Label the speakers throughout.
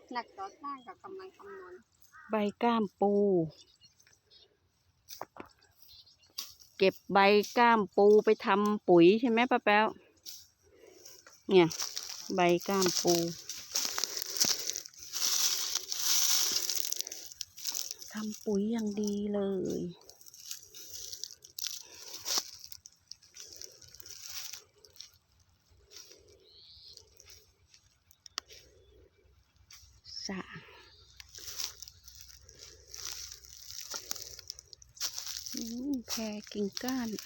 Speaker 1: นักก่อสร้างกับกำลังคำนวณ
Speaker 2: ใบก้ามปูเก็บใบก้ามปูไปทำปุ๋ยใช่ไหมป้าแป๊วเนี่ยใบก้ามปูทำปุ๋ยอย่างดีเลยสะแพรกิ่งก้าน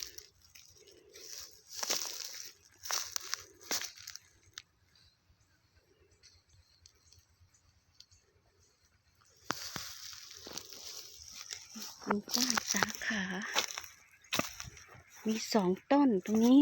Speaker 2: กิ่งก้านสาขามี2 ต้นตรงนี้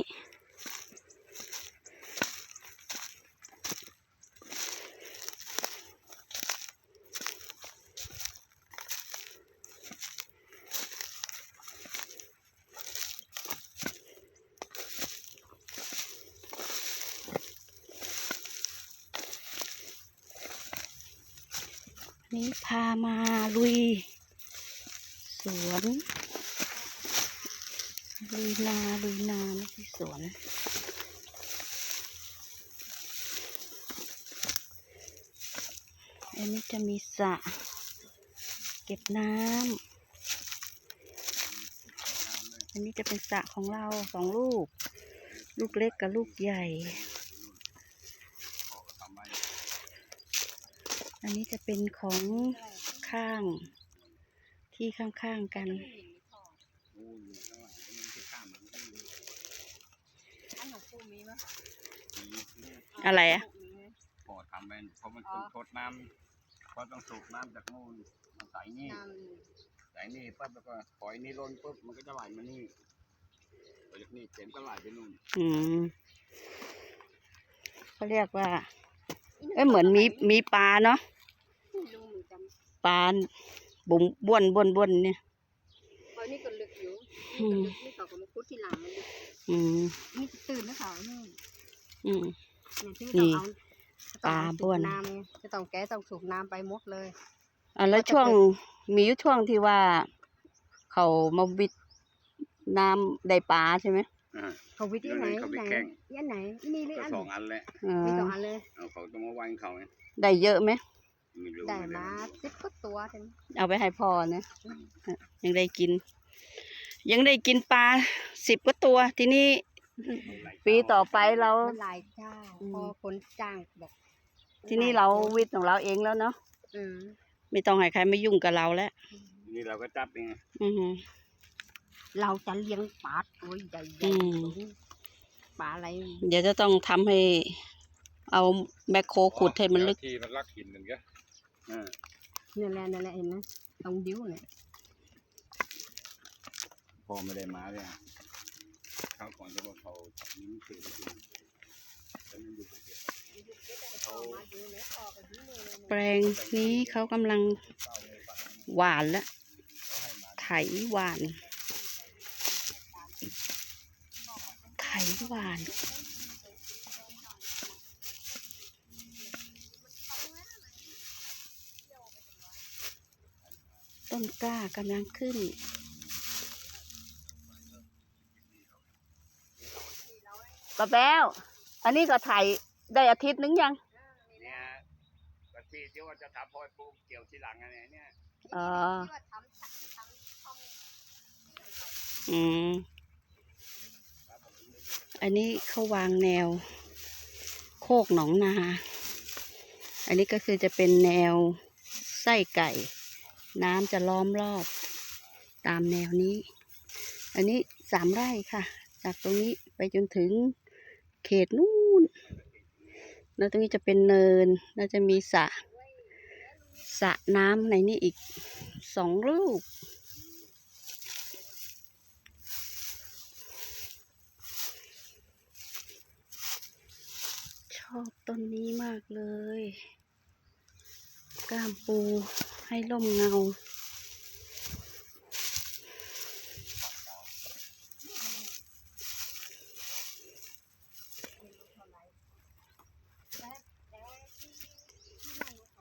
Speaker 2: นี้พามาลุยสวนลุยนาไม่ใช่สวนอันนี้จะมีสระเก็บน้ำอันนี้จะเป็นสระของเรา2 ลูกเล็กกับลูกใหญ่อันนี้จะเป็นของข้างที่ข้างๆกันอะไรอ่ะ
Speaker 3: พอทำเป็นเพราะมันต้องทดน้ำเพราะต้องสูบน้ำจากนู่นมาใส่นี่ปั๊บแล้วก็ปล่อยนี่ล้นปุ๊บมันก็จะไหลมานี่พอจากนี่เต็มก็ไหลไปนู่น
Speaker 2: เขาเรียกว่าเหมือนมีปลาเนาะปลาบุ๋มบ้วนเนี่ย
Speaker 1: เพราะนี่ก็ลึกอยู่นี่เขาก็มาคุดที่หลังมันลึกนี่ตื่นนะเขานี่
Speaker 2: ปลาบ้วน
Speaker 1: น้ำจะต้องแก้ต้องสูบน้ำไปหมดเลย
Speaker 2: แล้วมีช่วงที่ว่าเขามาวิดน้ำได้ปลาใช่ไหม
Speaker 1: เขาวิดที่ไหนนี่หรืออัน
Speaker 3: 2 อันแหละ
Speaker 1: มี2 อันเลย
Speaker 3: เขาต้องมาวันเขา
Speaker 2: ได้เยอะไหม
Speaker 1: ได้มา10 กว่าตัว
Speaker 2: เอาไปให้พ่อนะยังได้กินปลา10 กว่าตัวทีนี้ปีต่อไปเรา
Speaker 1: หลายเจ้าพอคนจ้างบอก
Speaker 2: ทีนี้เราวิทย์ของเราเองแล้วเนาะไม่ต้องให้ใครมายุ่งกับเราแล้ว
Speaker 3: นี่เราก็จับเอง
Speaker 1: เราจะเลี้ยงปลาตัวใหญ่ปลาอะไร
Speaker 2: เดี๋ยวจะต้องทำให้เอาแมคโครขุดให้มันลึก
Speaker 3: ที่มันลักหินกันแก
Speaker 1: นั่นแหละเห็นไหมตรงดิ้วเนี่ย
Speaker 3: พอไม่ได้มาเลยข้าวก่อนจะบอกเขานิ้วถือ
Speaker 2: แปลงนี้เขากำลังหวานแล้วไถหวานต้นกล้ากำลังขึ้นป้าแป๊วอันนี้ก็ไถได้อาทิตย์นึงยัง
Speaker 3: เนี่ยก็ที่ว่าจะทำพอยปลูกเกี่ยวทีหลังอะไรเนี่ย
Speaker 2: อันนี้เขาวางแนวโคกหนองนาอันนี้ก็คือจะเป็นแนวไส้ไก่น้ำจะล้อมรอบตามแนวนี้อันนี้3 ไร่ค่ะจากตรงนี้ไปจนถึงเขตนู่นแล้วตรงนี้จะเป็นเนินแล้วจะมีสระน้ำในนี้อีก2 ลูกชอบต้นนี้มากเลยก้ามปูให้ร่มเงา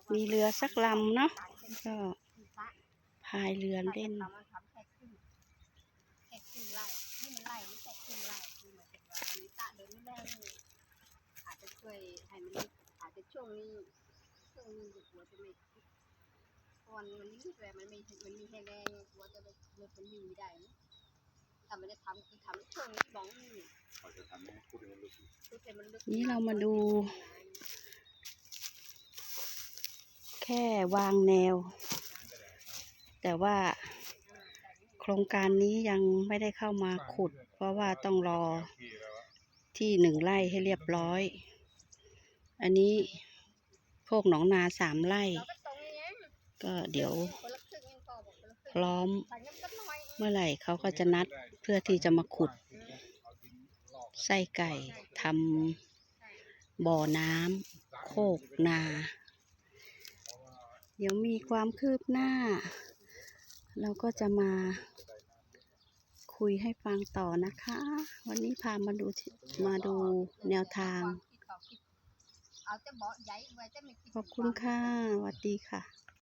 Speaker 2: มีเรือสักลำเนาะก็พายเรือเล่น
Speaker 1: ทำแค่ครึ่งไร่ให้มันไร่ไม่ใช่ครึ่งไร่คือหมายถึงว่ามันตะเดินไม่ได้อาจจะช่วยให้มันอาจจะช่วงนี้หัวจะไม่วันมันนี่แต่มันมีให้แรงหัวจะไปรถมันวิ่งไม่ได้นะถ้ามันจะทำคือทำช่วงนี้บ้องนี่
Speaker 3: เขาจะทำให้พูดให้มันลึก
Speaker 2: นี่เรามาดู แค่วางแนว แต่ว่าโครงการนี้ยังไม่ได้เข้ามาขุด เพราะว่าต้องรอที่1 ไร่ให้เรียบร้อย อันนี้โคกหนองนา3 ไร่ ก็เดี๋ยวพร้อมเมื่อไหร่เขาก็จะนัดเพื่อที่จะมาขุดไส้ไก่ทำบ่อน้ำโคกนา เดี๋ยวมีความคืบหน้า เราก็จะมาคุยให้ฟังต่อนะคะ วันนี้พามาดูแนวทาง ขอบคุณค่ะสวัสดีค่ะ